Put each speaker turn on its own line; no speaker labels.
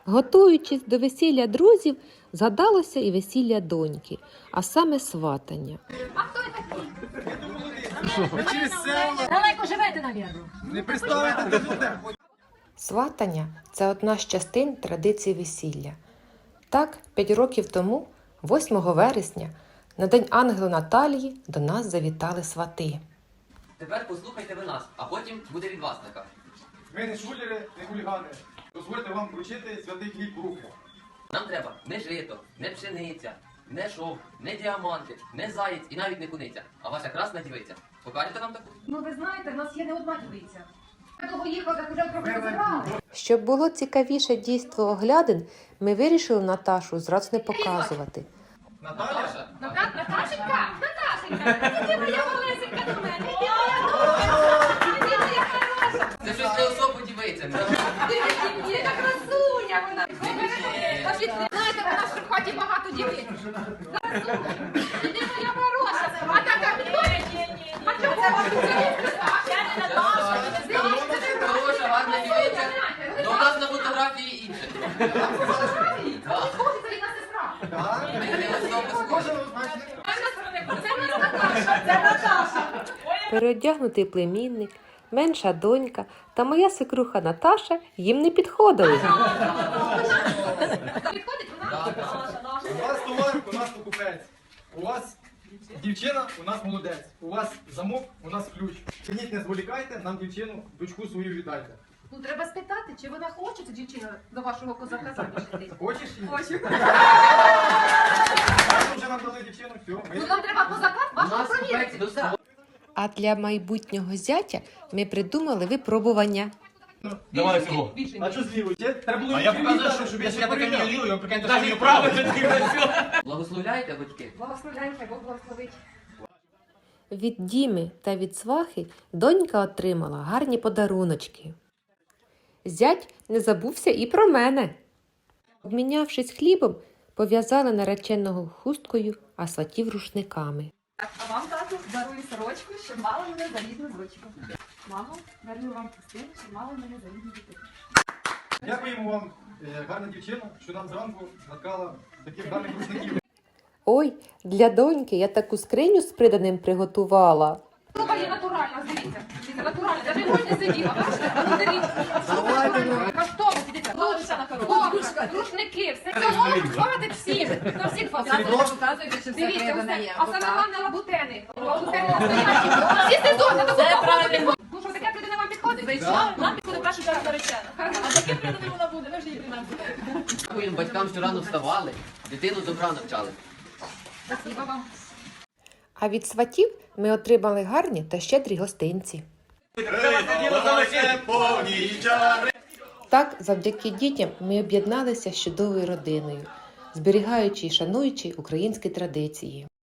Готуючись до весілля друзів, згадалося і весілля доньки, а саме сватання.
А хто такий? Далеко живете, навірно.
Не приставайте до туди.
Сватання – це одна з частин традиції весілля. Так, 5 років тому, 8 вересня, на День Ангела Наталії до нас завітали свати.
Тепер послухайте ви нас, а потім буде від вас така.
Ми не шулери, не хулігани. Дозвольте вам вручити святий хліб в руки.
Нам треба не жито, не пшениця, не шовк, не діаманти, не заєць і навіть не куниця, а ваша красна дівиця. Покажете нам таку?
Ну, ви знаєте, в нас є не одна дівиця. Я довго їхала, так вже трохи розібрали.
Щоб було цікавіше дійство оглядин, ми вирішили Наташу зразу не показувати.
Наталя?
Наташенька! Наташенька! Іди моя малесенька до мене! Іди моя хороша!
Це щось не особу дівиця.
Яка красуня вона! Знаєте, в нас в хаті багато дівиць. Іди моя хороша! А така підходить? А чого вас тут я не Наташа?
Хороша, гарна дівиця. Ну, у нас на фотографії інше.
Підходить рідна сестра.
Ми не особи схожі.
Це Наташа! Це Наташа!
Переодягнутий племінник, менша донька та моя свекруха Наташа їм не підходили.
Підходить вона?
У вас товар, у нас покупець. У вас дівчина, у нас молодець. У вас замок, у нас ключ. Чиніть, не зволікайте, нам дівчину, дочку свою віддайте.
Ну, треба спитати, чи вона хоче, ця дівчина, до вашого козака заміж йти.
Хочеш чи ні?
Хочу.
Так, вже нам дали дівчину, все.
Ну, нам треба козака
У
вашого
нас купець
провірити.
до себе.
А для майбутнього зятя ми придумали випробування.
Давай всього.
А що зліво? Треба було
А я
відповідь
показую,
дати,
що
я
я таке
порівняв.
не лівий, ви прикиньте, що мені право.
Благословляйте, батьки.
Благословляємо, хай Бог благословить.
Від Діми та від свахи донька отримала гарні подаруночки. Зять не забувся і про мене. Обмінявшись хлібом, пов'язали нареченого хусткою, а сватів рушниками.
А вам, тату, дарую сорочку, щоб мала мене за рідну дочку. Мамо, дарую вам хустину, щоб мала мене за рідну дитину.
Дякуємо вам, гарна дівчина, що нам зранку наткала таких гарних рушників.
Ой, для доньки я таку скриню з приданим приготувала.
Слухай, є натуральна, дивіться. Дивіться, натуральна, навіть можна сиділа, бачите? А ну дивіться. Каштово, дивіться, подушка, рушники, все цього хватить всім. На всіх хватить. Дивіться, усе. А саме головне лабутени. Лабутени настоящі. Всі сезони, це правильно. Ну що, таке придане вам підходить?
Зайшла, нам підходить першу чергу наречена. А таке придане вона буде, ви ж її нам буде.
Дякуємо батькам, що рано вставали, дитину добра навчали.
Спасибо вам.
А від сватів ми отримали гарні та щедрі гостинці. Так, завдяки дітям ми об'єдналися з чудовою родиною, зберігаючи і шануючи українські традиції.